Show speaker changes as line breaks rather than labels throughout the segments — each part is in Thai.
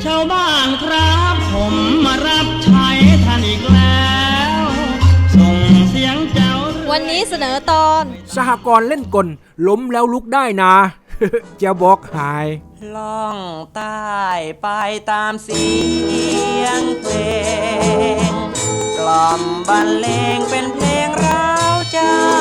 ชาวบ้านครับผมมารับใช้ท่านอีกแล้วส่งเสียงเจ้า
วันนี้เสนอตอน
สหกรณ์เล่นกลล้มแล้วลุกได้นะ จะบอกหาย
ล่องใต้ไปตามเสียงเพลงกล่อมบรรเลงเป็นเพลงร้าวใจ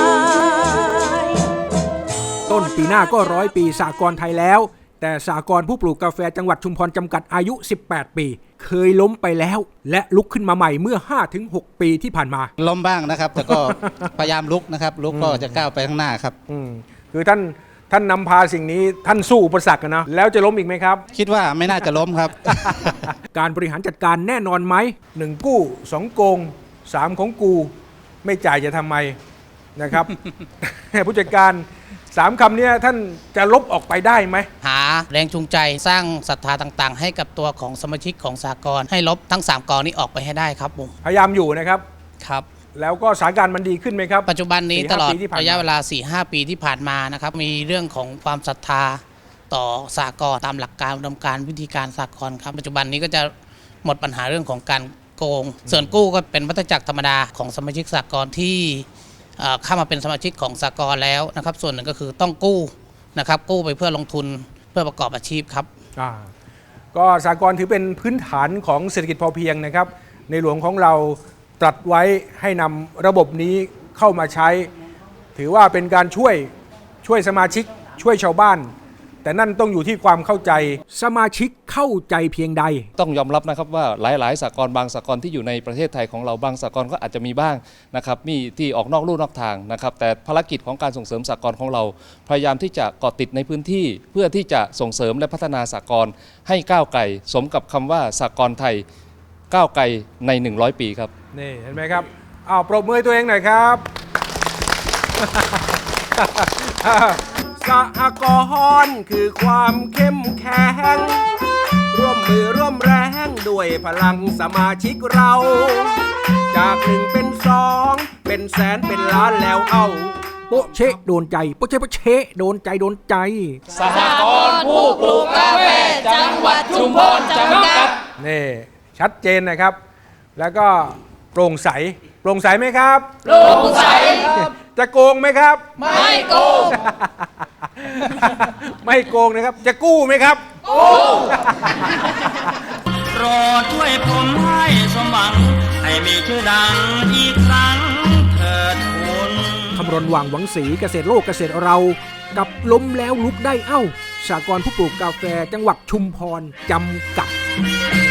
ต้นปีหน้าก็100 ปีสหกรณ์ไทยแล้วแต่สหกรณ์ผู้ปลูกกาแฟจังหวัดชุมพรจำกัดอายุ18 ปีเคยล้มไปแล้วและลุกขึ้นมาใหม่เมื่อ 5-6 ปีที่ผ่านมา
ล้มบ้างนะครับแต่ก็ พยายามลุกนะครับลุกก็จะก้าวไปข้างหน้าครับ
คือท่านนำพาสิ่งนี้ท่านสู้อุปสรรคนะแล้วจะล้มอีกไหมครับ
คิดว่าไม่น่าจะล้มครับ
การบริหารจัดการแน่นอนไหม1กู้2โกง3ของกูไม่จ่ายจะทำไมนะครับ ผู้จัดการ3คำนี้ท่านจะลบออกไปได้ไหม
หาแรงจูงใจสร้างศรัทธาต่างๆให้กับตัวของสมาชิกของสหกรณ์ให้ลบทั้ง3กองนี้ออกไปให้ได้ครับผม
พยายามอยู่นะครับ
ครับ
แล้วก็สถานการณ์มันดีขึ้นไหมครับ
ปัจจุบันนี้ตลอดระยะเวลา 4-5 ปีที่ผ่านมานะครับมีเรื่องของความศรัทธาต่อสหกรณ์ตามหลักการอุดมการณ์วิธีการสหกรณ์ครับปัจจุบันนี้ก็จะหมดปัญหาเรื่องของการโกงส่วนกู้ก็เป็นวัฏจักรธรรมดาของสมาชิกสหกรณ์ที่เข้ามาเป็นสมาชิกของสหกรณ์แล้วนะครับส่วนหนึ่งก็คือต้องกู้นะครับกู้ไปเพื่อลงทุนเพื่อประกอบอาชีพครับ
ก็สหกรณ์ถือเป็นพื้นฐานของเศรษฐกิจพอเพียงนะครับในหลวงของเราตรัสไว้ให้นำระบบนี้เข้ามาใช้ถือว่าเป็นการช่วยสมาชิกช่วยชาวบ้านแต่นั่นต้องอยู่ที่ความเข้าใจสมาชิกเข้าใจเพียงใด
ต้องยอมรับนะครับว่าหลายๆสหกรณ์บางสหกรณ์ที่อยู่ในประเทศไทยของเราบางสหกรณ์ก็อาจจะมีบ้างนะครับมีที่ออกนอกลู่นอกทางนะครับแต่ภารกิจของการส่งเสริมสหกรณ์ของเราพยายามที่จะเกาะติดในพื้นที่เพื่อที่จะส่งเสริมและพัฒนาสหกรณ์ให้ก้าวไกลสมกับคำว่าสหกรณ์ไทยก้าวไกลใน100 ปีครับ
นี่เห็นไหมครับปรบมือให้ตัวเองหน่อยครับ สหกรณ์คือความเข้มแข็งร่วมมือร่วมแรงด้วยพลังสมาชิกเราจาก1เป็น2เป็นแสนเป็นล้านแล้วเอาโปะเชะโดนใจโปะเชะโปะเชะโดนใจโดนใจ
สหกรณ์ผู้ปลูกกาแฟจังหวัดชุมพรจำกัด
นี่ชัดเจนนะครับแล้วก็โปร่งใสไหมครับ
โปร่งใส
จะโกงไหมครับ
ไม่โกง
ไม่โกงนะครับจะกู้ไหมครับ
กู้
โปรดช่วยผมให้สมหวังให้มีชื่อดังอีกครั้งเถิดคุณ
คำรณหว่างหวังศรีเกษตรโลกเกษตรเรากับล้มแล้วลุกได้สหกรณ์ผู้ปลูกกาแฟจังหวัดชุมพรจำกัด